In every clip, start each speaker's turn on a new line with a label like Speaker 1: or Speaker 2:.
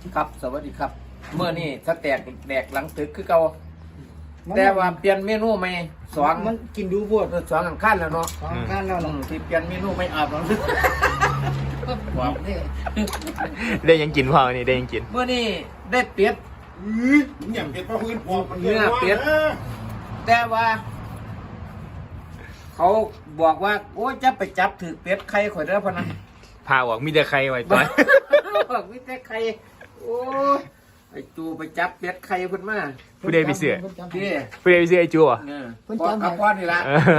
Speaker 1: ครับสวัสดีครับเมื่อนี่ถ้าแตกแดกหลังตึกคือเก่าแต่ว่าเปลี่ยนเมนูใหม่สอง
Speaker 2: มันกินดูพวด
Speaker 1: สองอันขั้นแล้วเนาะ
Speaker 2: สองขั้นแล้วเนาะ
Speaker 1: ที่เปลี่ยนเมนูไม่อาบหลังตึกบอกนี่
Speaker 3: ได้ยังกินพอนี่ได้ยังกิน
Speaker 1: เมื่อนี่ได้เป็ด
Speaker 4: อย่างเป็ดปลาพื้นพอมัน
Speaker 1: เนื้อเป็ด แต่ว่า เขาบอกว่าโอ้ยจะไปจับถือเป็ดใครข่อยเด้อพะนะ
Speaker 3: พาออกมีแต่ใครไว้ต่อย
Speaker 1: บอกวิแต่ใครโอ้ยไอ้จูไปจับเป็ดใครเพิ่นมา
Speaker 3: ผู้ใดไปเสือ
Speaker 1: พี่
Speaker 3: ผู้ใดไปเสือไอ้จูอ่ะ
Speaker 1: เนี่ยพ่อกับพ่อนี่ละ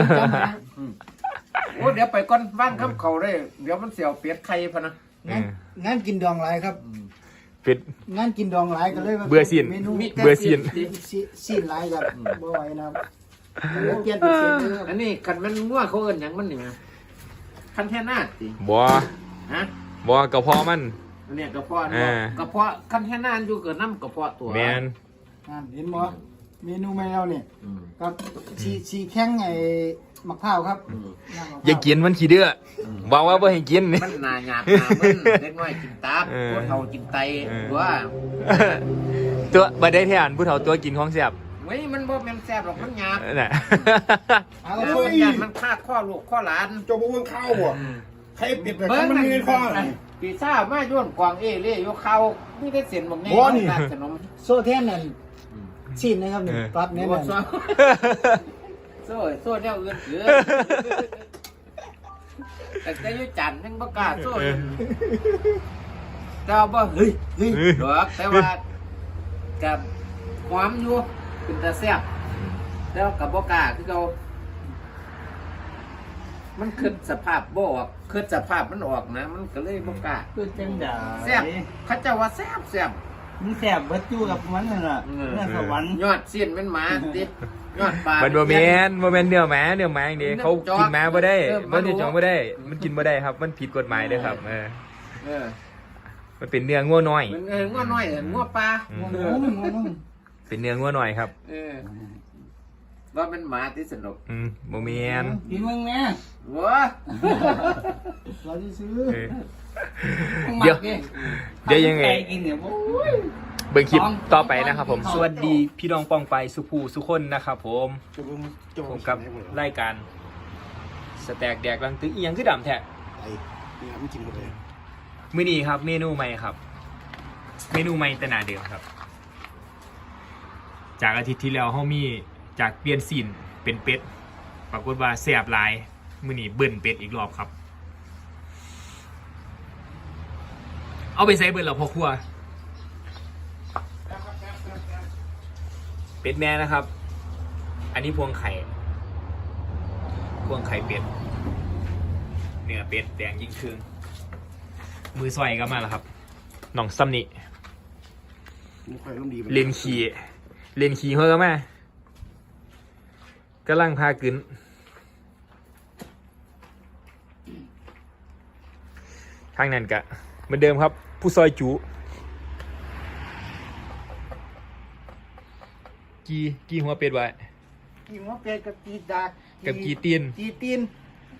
Speaker 1: โอ้เดี๋ยวไปก่อนบ้านคำเขาเลยเดี๋ยวมันเสียวเปียดไข่พะนะ
Speaker 2: งั้นกินดองหลายครับ
Speaker 3: เป็ด
Speaker 2: งั้นกินดองหลายก็เลย
Speaker 3: เบื่อสิ้น
Speaker 2: เมนู
Speaker 3: เบื่อสิ้น
Speaker 2: สิ้นหลายครับบ่ไหวนะครับเลยเปลี่ยนเป็นสิ้นเลยครับ
Speaker 1: อันนี้คันมันมั่วเขาเอิ้นหยังมันนี่นะคันแท่หน้าสิ
Speaker 3: บ่
Speaker 1: ฮะ
Speaker 3: บ่กระเพาะมัน
Speaker 1: อันเนี้ยกระเพาะ
Speaker 3: อ่า
Speaker 1: กระเพาะคันแท่หน้าอยู่เกิดน้ำกระเพาะตัว
Speaker 3: แมน
Speaker 2: เห็นบ่เมนูใหม่เราเนี่ย
Speaker 1: อืม
Speaker 2: ครับสีแข้งไอ้มะพร้าวครับ
Speaker 1: อืม
Speaker 2: น้ำมะพร้ว
Speaker 3: อย่ากินมันขี้เดื้อบอกว่าบ่ให้กิน
Speaker 1: มันหนาหยาบหนามันเล็กน้อยกินตับ
Speaker 3: เออ
Speaker 1: ผู้เฒ่ากินไต
Speaker 3: เออ
Speaker 1: ว่า
Speaker 3: ตัวบ่ได้แทนผู้เฒ่าตัวกินของแซ่บ
Speaker 1: เว้ยมันบ่แม่นแซ่บหรอกมันหยาบ
Speaker 3: น่ะ
Speaker 2: เอา
Speaker 1: แล้ว
Speaker 2: โอ้
Speaker 1: มัน
Speaker 2: ย
Speaker 1: หยาบมันฆ่าข้อลูกข้อหลาน
Speaker 4: เจ้าบ่เบิ่งข้าวบ่ใครเป็ดแบบ
Speaker 1: เบิ้ง
Speaker 4: มัน
Speaker 1: นั่น
Speaker 4: มีเงินข้อ
Speaker 1: ปีซ่าจมาโย่นกวางเอเล่ยกเขาไม่ได้เสียนบอกไง
Speaker 4: บ่นี่
Speaker 1: ร้านขนม
Speaker 2: โซ่แท่นนั่นสิ้นนะครับนี่ตัดแน่น
Speaker 1: โซ่
Speaker 2: อน
Speaker 1: โซ่โซ่เนี่ยอื่นเหลือแต่จะยุจันทร์ยังประกล้าศโซ่อยู่แต่ว่าบ่เฮ้ยดอกแต่ว่ากับความอยู่เป็นตาแซ่บแต่ว่ากับบ่กล้าคือเขามันขึ้นสภาพบ่ออกขึ้นสภาพมันออกนะ มันก็เลยบ่กล้า
Speaker 2: คือจังได๋
Speaker 1: แซ่บเขาเจ้าว่าแซ่บแซ่บ
Speaker 2: มึงแซ่บเบิดอยู่กับมันนั่นน่ะเนื้อสวรรค์
Speaker 1: ยอดเสี้ยนเป็นหมาติยอดปลา
Speaker 3: มันบ่แม่นเนื้อหมาอย่างนี้เขากินหมาบ่ได้มันจะจองบ่ได้ มันกินบ่ได้ครับ มันผิดกฎหมายเด้อครับ
Speaker 1: เออ
Speaker 3: มันเป็นเนื้องัวน้อย
Speaker 1: มันงัวน้อยงัวปลา
Speaker 3: อืม
Speaker 2: โอ้ย
Speaker 3: เป็นเนื้องัวน้อยครับ
Speaker 1: ว่าเป็นหมาที่สนุก
Speaker 3: บ่แม่น
Speaker 2: กินมึงแม่
Speaker 1: วัว
Speaker 2: เราที่ซื้อ
Speaker 3: เออเดี๋ยวยังไง
Speaker 2: กินเนี่ยโอ้ย
Speaker 3: เบิ่งคลิปต่อไปนะครับผม สวัสดีพี่น้องป้องไปสุภูสุคนนะครับผม ผมกับรายการสแต็กแดกลังตึกอีหยังคือดำแท้
Speaker 4: ไอ้เนี่ยมันกินหมดเลย
Speaker 3: มื้อนี้ครับเมนูใหม่ครับ เมนูใหม่แต่หนาเดิมครับ จากอาทิตย์ที่แล้วเฮามีจากเปลี่ยนซีนเป็นเป็ดปรากฏว่าแซ่บหลายมื้อนี้เบิ่นเป็ดอีกรอบครับ เอาไปใส่เบิ่นแล้วพ่อครัว เป็ดแม่นะครับ อันนี้พวงไข่ พวงไข่เป็ด เนื้อเป็ดแดงยิ่งคืนมือซอยก็มาแล้วครับน้องซัมนี่
Speaker 4: มันค่อยร่มดี
Speaker 3: เล่นขี่เฮ้อมากำลังพากึนทางนั้นกะเหมือนเดิมครับ ผู้ซอยจูกี่หัวเป็ดไว้
Speaker 2: กินหัวเป็ดกับกีดา
Speaker 3: กับกีตีน
Speaker 2: กีตีน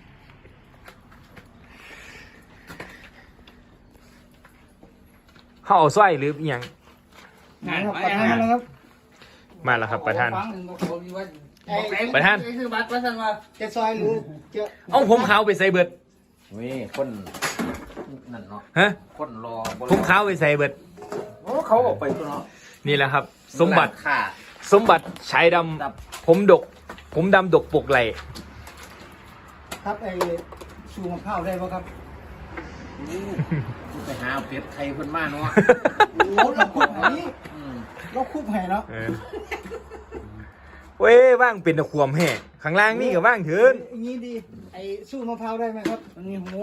Speaker 3: เขาเอาสร้อยหรืออหย่าง
Speaker 2: นะครับประธานนะครับ
Speaker 3: มาแล้วครับประธาน
Speaker 2: ประธาน
Speaker 5: คือบัตรประธานว่า
Speaker 2: จะซอยหรือจะ
Speaker 3: เอาผมขาวไปใส่เบิด
Speaker 1: เว้ยคนนั่นเนาะ
Speaker 3: ฮะ
Speaker 1: คนรอบ่รอ
Speaker 3: ผมขาวไปใส่เบิด
Speaker 1: โอ้เขาออกไปตัวเนาะ
Speaker 3: นี่แหละครับ สมบัติ
Speaker 1: ค่ะ
Speaker 3: สมบัติชายด
Speaker 1: ครับ
Speaker 3: ำผมดก ผมดำดกปกไหล
Speaker 2: ครับไอ้ชูมะพร้าวได้ป่ะครับ
Speaker 1: ไปหาเป็ดไข่เพิ่นมาเนาะ
Speaker 2: โอ้เราคุบให้
Speaker 1: อืม
Speaker 2: เราคุบให้เนาะ
Speaker 3: เออเว้ยว่างเป็นตะควมแห่ข้างล่างนี่ก็ว่างเถิน
Speaker 2: อย่างนี้ดีไอ้สู้มะพร้าวได้ไหมครับอันนี้โห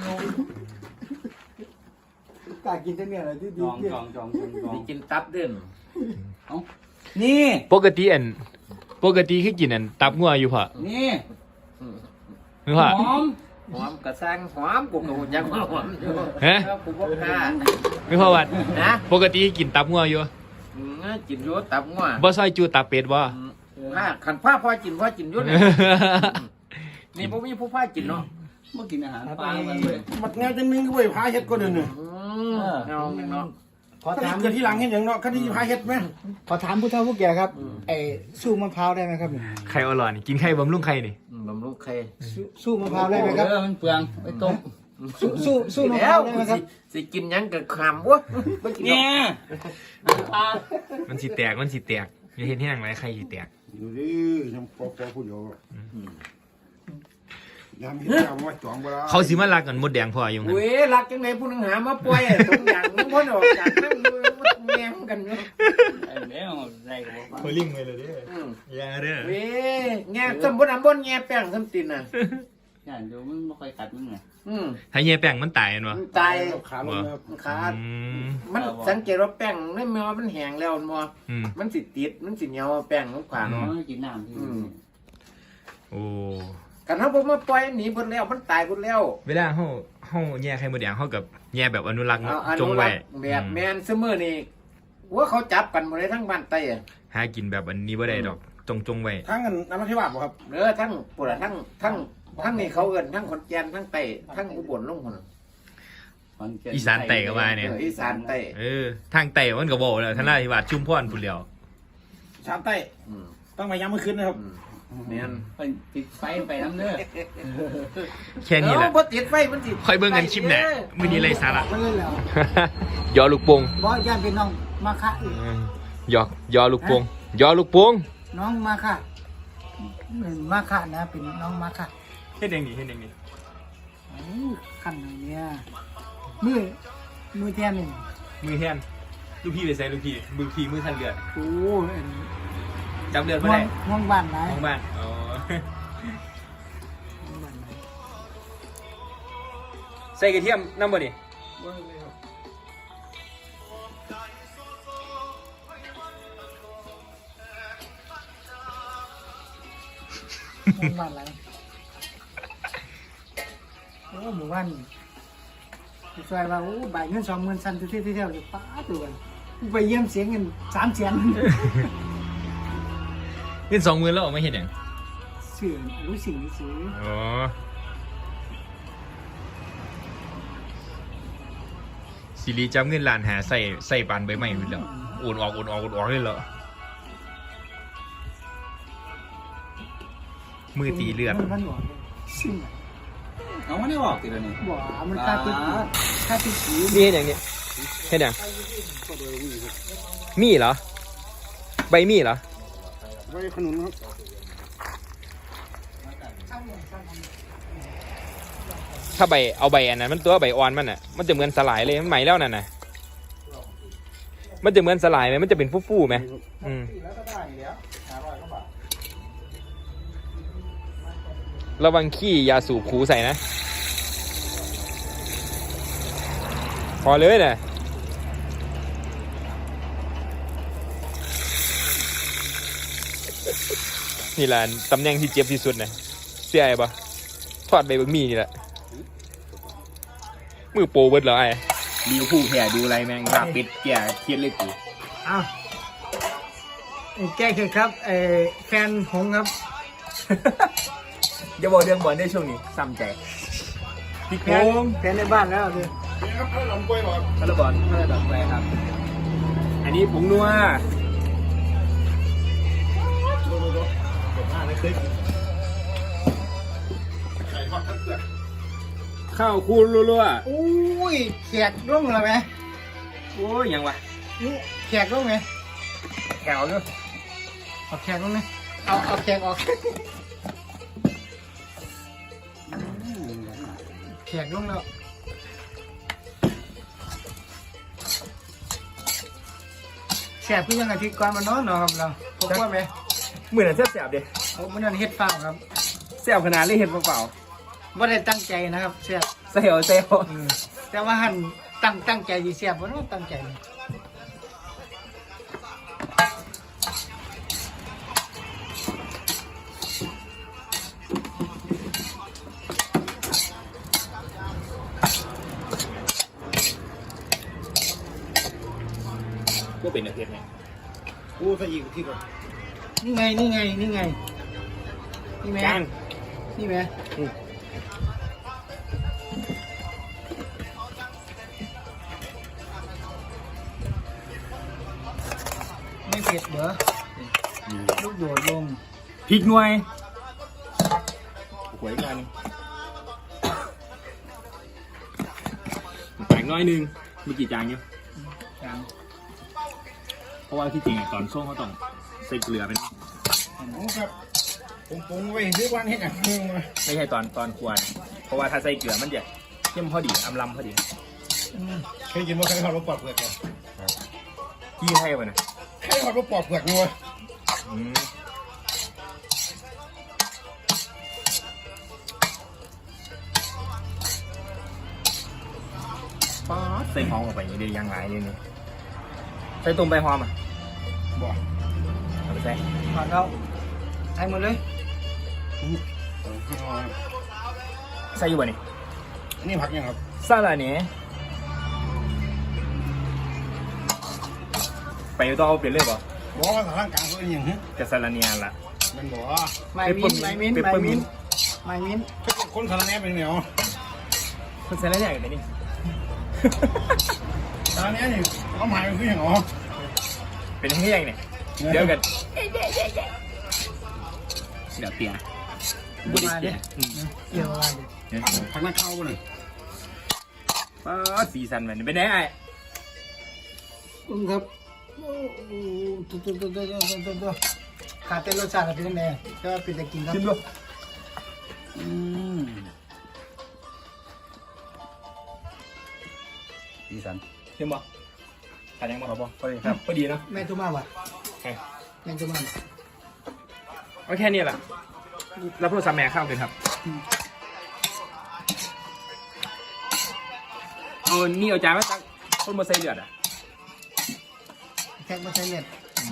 Speaker 2: กล้ากินแต่เนี่ยอะไรที่ดี
Speaker 5: จอง
Speaker 1: มีกินตับเด่น
Speaker 5: นี่
Speaker 3: ปกติคือกินอันตับงัวอยู่พะ
Speaker 5: นี่
Speaker 3: นึกว่า
Speaker 5: หอม
Speaker 1: หอมกระซังหอมกูก็บ่อยังหอมอยู่
Speaker 3: ฮะ
Speaker 1: แล้วกูบ่กล้า
Speaker 3: นึกว่าวัด
Speaker 1: นะ
Speaker 3: ปกติกินตับงัวอยู่
Speaker 1: กินอยู่ตับงัว
Speaker 3: บ่ซอยจูตับเป็ดบ่
Speaker 1: ผ้าขันผ้าพอกินอยู่เนี่ยนี่บ่มีผู้ผ้ากินเนาะ
Speaker 5: เมื่อกินอาหารปลามันเลย
Speaker 4: มันงานจะมึงก็ไปพาเฮ็ดก็เดินเนี่ย
Speaker 1: เอาเนาะ
Speaker 2: ขอ
Speaker 4: ถ้า
Speaker 2: ถาม
Speaker 4: เกิดที่หลังเห็นอย่างเนาะคดีพาเฮ็ดไหม
Speaker 2: ขอถามผู้เฒ่าผู้แก่ครับไอ้สู้มะพร้าวได้ไหมครับ
Speaker 3: ไข่อร่อยนี่กินไข่บำรุงไข่นี่
Speaker 1: บำรุงไข่
Speaker 2: สู้มะพร้าวได้ไหมครับ
Speaker 5: มันเปลืองไปต้ม
Speaker 2: สู้มะพ
Speaker 1: แล้
Speaker 2: ร้าว
Speaker 1: ว
Speaker 2: ได้ไหมครับ
Speaker 1: สิกินหยังกับคำวะ
Speaker 5: เนี่ย
Speaker 3: มันสิแตกอย่าเห็นที่หนังไรไข่สิแตก
Speaker 4: อยู่ดิยังพอพูดอยู่ยามนี้เอามาจ่องเวลา
Speaker 3: เขาสิมาลักกันมดแดงพออยู่หั่น
Speaker 1: เว้ยรักจังไหนผู้นึงหามาปล่อยทุกอย่างมันพ้นออกจากนั่งดูมันแง่งกันเนาะ
Speaker 5: แล้วได้ก็บอกว่า
Speaker 3: เขาลิงไปเลยเด้
Speaker 1: อืม
Speaker 3: อย่าเด้อ
Speaker 1: เว้ยแง่สมบูรณ์บนแง่แป้งสมตินน่ะ
Speaker 5: อย่างเดียวมึงไม่ค่อยกัดมึงไง
Speaker 1: อืม
Speaker 3: ถ้าเหี้ยแป้งมันตายแม่นบ่
Speaker 1: มันตาย
Speaker 4: ขาลงนะครับ
Speaker 1: มันขาด
Speaker 3: อืม
Speaker 1: มันสังเกตว่าแป้งไม่แม้ว่ามันแห้งแล้วมัว
Speaker 3: อืม
Speaker 1: มันสิติดมันสิเหนียวแป้งมันขวาง
Speaker 5: น้อ
Speaker 1: เนาะ
Speaker 5: งกินน้ำที่
Speaker 3: โอ้
Speaker 1: กันเขาบอกมาปล่อยหนีหมดแล้วมันตายหมดแล้ว
Speaker 3: เวลาเฮาแย่ไข่มดแดงเฮากับแย่แบบอนุรักษ์
Speaker 1: เอาอ
Speaker 3: จ
Speaker 1: นุ
Speaker 3: ง
Speaker 1: รั
Speaker 3: ไว้
Speaker 1: กษ์แบบแมนซึมือนี่ว่าเขาจับกันหมดเลยทั้งบ้านไต้อะ
Speaker 3: หากินแบบอันนี้บ่ได้ดอกจงไว้
Speaker 4: ทั้งกันน้ำมันที่ว่าบ่ครับ
Speaker 1: เออทั้งปุ่นทั้งนี่เขาเอินทั้งขอนแก่นทั้งไต้ทั้งอุบลลงคน
Speaker 3: อีสานไต่ก็ว่าเนี่ย
Speaker 1: อีสานไต้
Speaker 3: ทางไต่มันก็บอกแล้วท่านราธิวาสชุมพรพุ่นแล้ว
Speaker 4: ชามใต้
Speaker 1: อืม
Speaker 4: ต้องมาย้ำเมื่อคืนนะครับ
Speaker 1: แมน
Speaker 5: ติดไฟไปน้ำเนื้อ
Speaker 3: แค่นี้แหละ
Speaker 1: บ่ติดไฟมันติด
Speaker 3: ค่อยเบิ่งกันคลิปหน้ามื้อนี้ไรสาระ
Speaker 2: ไม่เล่นแล้ว
Speaker 3: ยอลูกโป่ง
Speaker 2: บอสย่านเป็นน้องมาค่ะอีก
Speaker 3: ยอลูกโป่งยอลูกโป่ง
Speaker 2: น้องมาค่ะมาค่ะนะเป็นน้องมาค่ะ
Speaker 3: เฮ็ดจังนี้
Speaker 2: ขันไหนเนี่ยมือแทนหนึ่ง
Speaker 3: มือแทนลูกพี่ไปใส่ลูกพี่มือทันเลือด
Speaker 2: โอ้
Speaker 3: จับเลือดบ่
Speaker 2: ห่ว
Speaker 3: ได้
Speaker 2: งห่วงบ้านไหน
Speaker 3: ของบ้านอ๋อ
Speaker 2: ห่วงบ้านไหน
Speaker 3: ใส่กระเทียมนำบ่นี่
Speaker 2: ห่วงบ้านไหนโอ้หมู่บ้านซอยว่าโอ้บ่ายเงิน20,000สั่นที่เที่ยวอยู่ป้าตัวไปเยี่ยมเสียงเงิน300,000
Speaker 3: เงิน20,000แล้วออกมาเฮ็ดหยัง
Speaker 2: สื่อรู้สิ่งนี้สื่อ
Speaker 3: อ๋อสิริจับเงินล้านหาใส่ปานใบไม้พุ่นแล้วโอนออกเลยเหรอมือตีเลือด
Speaker 2: มันหนวดสิ่ง
Speaker 5: เอาไม่ได้บอกติดเลยนี่
Speaker 2: บ่มันค่าติดสี
Speaker 3: นี่เฮ็ดหยังนี่เฮ็ดหยังมีเหรอใบมีเหรอ
Speaker 4: ไว้ขนุนครับ
Speaker 3: ถ้าใบเอาใบอันนั้นมันตัวใบอ่อนมันอ่ะมันจะเหมือนสลายเลยมันใหม่แล้วนั่นน่ะมันจะเหมือนสลายไหมมันจะเป็นฟู่ๆไหมอืมระวังขี้ยาสูบขูใส่นะพอเลยนะนี่แหละตำแหน่งที่เจ็บที่สุดนะเสียไอ้ปะทอดใบบะหมี่นี่แหละมือโปรเบิร์ดเหรอไอ้มีผู้แผ่ดูไรแมงครับปิดแก่เครียดเลยกู
Speaker 2: อ้าวแก้เข็ดครับแฟนหงครับ
Speaker 3: อย่าบอกเรื่องบอลได้ช่วงนี้ซ้ำใจพี่โค้ง
Speaker 2: แฟนในบ้านแล้วเลย
Speaker 4: นี่ครับถ้าลำกล้วยหรอ
Speaker 3: คาร์บอนคาร์บอนไปครับ อันนี้ผงนัว
Speaker 4: ไข่ทอดทั้งเปลือก
Speaker 3: ข้าวคูณรัว
Speaker 2: อุ้ยแขกร่วงเลยไหม
Speaker 3: ๆโอ้ยยังวะ
Speaker 2: นี่แขกร่วงไหม
Speaker 3: แถวด้วย
Speaker 2: เอาแขกร่วงไหมเอาแขกออกแขกร่วงแล้วแสบพี่ยังอาทิตย์ก่อนมานอนเนาะครับเราพบว่าไหม
Speaker 3: เหมือนจะแสบๆดิ
Speaker 2: ผมมันนั่นเฮ็ดฟาวครับ
Speaker 3: แสบขนาดเลยเห็นเปล่า
Speaker 2: ไม่ได้ตั้งใจนะครับแสบ
Speaker 3: ๆเซลเซล
Speaker 2: แต่ว่าหันตั้งใจดีแสบเพราะว่าตั้งใจ
Speaker 3: ก็เป็นอาเทศไง
Speaker 4: กูใส่อีกที่ก่อน
Speaker 2: นี่ไงนี่ไหม
Speaker 3: จาน
Speaker 2: นี่ไหมผ็ดเหรอลูกโดดลง
Speaker 3: พริกหน่วยหวยกันแต่งน้อยนึงมีกี่จานอยู่
Speaker 2: จาง
Speaker 3: เพราะว่าที่จริงตอนช่วงเขาต้องใส่เกลือเป็น
Speaker 4: โอ้ครับผมปรุงไว้ซื้อวันให้กันนึงมา
Speaker 3: ไม่ใช่ตอนควรเพราะว่าถ้าใส่เกลือมันจะเข้มพอดีอำลำพอดี
Speaker 4: เคยกินว่าไข่ทอดรสปอดเปลือกเหรอ
Speaker 3: ที่ให้ไปนะ
Speaker 4: ไข่ทอดรสปอดเปลือกนัว
Speaker 3: ป๊าดใส่หอมออกไปอย่างนี้เดียวยังไงนี่ใส่ตุ่มใบหอมอ่ะ
Speaker 4: บ่
Speaker 3: เอาไปใส่
Speaker 2: ผ่านแล้วใส่หมดเลย
Speaker 3: ใส่อยู่บ่นี่
Speaker 4: อันนี้ผักยังครับ
Speaker 3: ซาลาเนี่ยไปต่อเอาเปลี่ยนเลยป่ะ
Speaker 4: บอกว่าร่างกลางเขาเป็นอย่างนี้
Speaker 3: กับซาลาเนียละ
Speaker 4: มันบอก
Speaker 2: ไม่มิ้น
Speaker 4: คนสารแหน่เป็นเหนียว
Speaker 3: มันซาลาเนียกันไหนนี่
Speaker 4: สารแหน่นี่เขาหมายเป็นคืออย่างอ๋อ
Speaker 3: เป็นที่ยังเนี่ยเดี๋ยวกันเดี๋ยวเปลี่ยน
Speaker 2: ดูมาดิเกี่ยวมาดิ
Speaker 4: ผักนักเข้าบ่หนึ่ง
Speaker 3: ป๊าดสีสันมันเป็นไงไอ้
Speaker 2: ครับตัวขาดแต่รสชาติเป็นยังไงก็เป็นจะกินครับ
Speaker 3: ชิมดู
Speaker 5: สีสัน
Speaker 3: ชิมบ่ขาดยังบ่ครับบ่พอดีครับพอดีเนาะ
Speaker 2: แม่ตุ้มาวะแม่ตุ้มา
Speaker 3: เอาแค่นี้แหละรับโทรศัพท์แม่เข้าเลยครับเอานี่เอาจานมาตักคนมาใส่เลือดอ่ะ
Speaker 2: แค่มาใช้เล็ด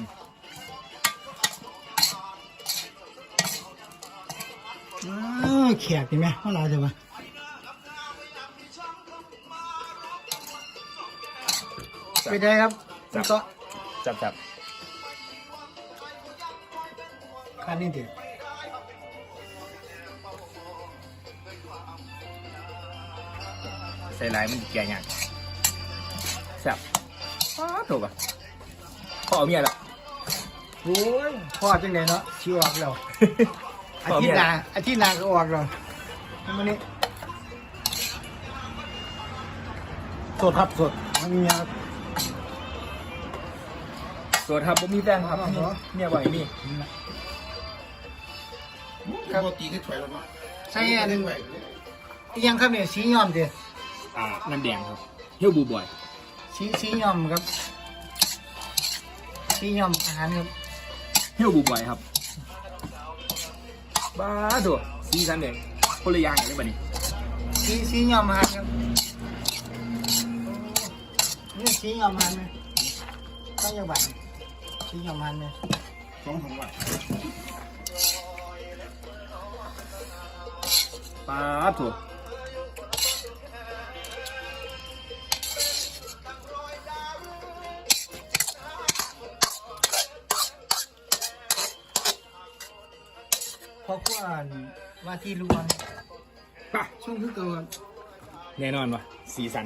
Speaker 2: แขกเห็นไหมว่าเราจะมา ไปได้ครับคุณก็
Speaker 3: จับ
Speaker 2: คันนี้เดียว
Speaker 3: ใส่ลายมันแก่ยังแซ่บป๊าดถูกป่ะพ่อเอาเมียละ
Speaker 2: โอ้ยพ่อจังไงเนาะชิวออกแล้วอาทิตย์หน้าก็ออกแล้ววันนี้
Speaker 4: สดครับสดมันมีครับ
Speaker 3: ส่วนครับผมมีแฟนครับเมียบ่อยนี่
Speaker 4: ครับตีขึ้นถอยแล้วเนาะ
Speaker 2: ใช่อันยังครับเนี่ยสีย้อมเดียว
Speaker 3: น้ำแดงครับเฮี้ยวบูบ่อย
Speaker 2: สีย้อมครับสีย้อมอาหารครับ
Speaker 3: เฮี้ยวบูบ่อยครับบ้าตัวสีสันเองคนละอย่างเลยป่ะนี่
Speaker 2: สีย้อมอาหารครับนี่สีย้อมอาหารไหมต้องยังบัตรสีย้อมอาหารไหม
Speaker 4: 2 บาท
Speaker 3: บ้าตัว
Speaker 2: เพราะว่าที่ล้วน
Speaker 3: ป่ะ
Speaker 2: ช่วงคือเกิน
Speaker 3: แน่นอนวะสีสัน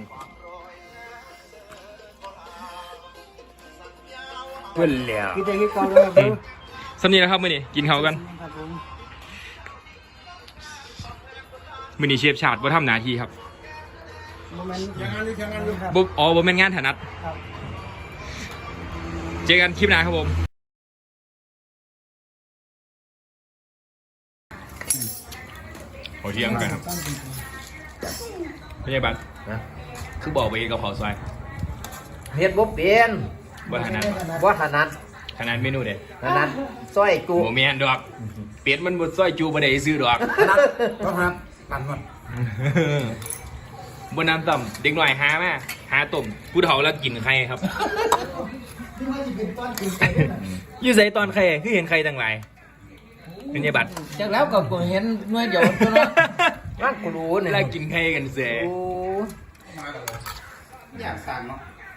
Speaker 3: เพื่อนเหลียว
Speaker 2: คือแต่ที่เก่าเลยครับ
Speaker 3: สำนีนะครับมือนี้กินเขาวกัน
Speaker 2: ครับผม
Speaker 3: มือนี้เชฟชาติว่าทำหน้าที่ครับ
Speaker 2: โมเมนต์
Speaker 4: ยังงานอยู่ยังงานอยู่
Speaker 2: ครับ
Speaker 3: บ่อ๋อบ่เป็นงานถนัด
Speaker 2: ครับ
Speaker 3: เจอกันคลิปหน้าครับผมโอเที่ยงกันครับไม่ใช่บัตรนะคือบอกไปกับเผาซอย
Speaker 1: เฮ็ดบ่เป็น
Speaker 3: บ่ถนัด
Speaker 1: บ่ถนัด
Speaker 3: ถนัดเมนูเด็ด
Speaker 1: ถนัดซอยจุ
Speaker 3: โมเมนดอกเป็ดมันบดซอยจูบ่ได้ซื้อดอก
Speaker 1: ถนัด
Speaker 4: ต้องครับปั่นก่อน
Speaker 3: บนน้ำต่ำเด็กหน่อยหามาหาต้มผู้เฒ่าแล้วกินไข่ครับ
Speaker 2: ที่ว่าจะเป็นต้นกินไป
Speaker 3: อยู่ใส่ตอนไข่คือเห็นไข่ต่างหลายเป็นไงบัตร
Speaker 1: จากแล้วก็บ่เห็นหน่วยเดียวเท่านั้นนั่นกูรู้
Speaker 3: เว
Speaker 1: นี่
Speaker 3: ลากินไข่กันเสีย
Speaker 1: โอ้
Speaker 4: อยากสั่งเนาะ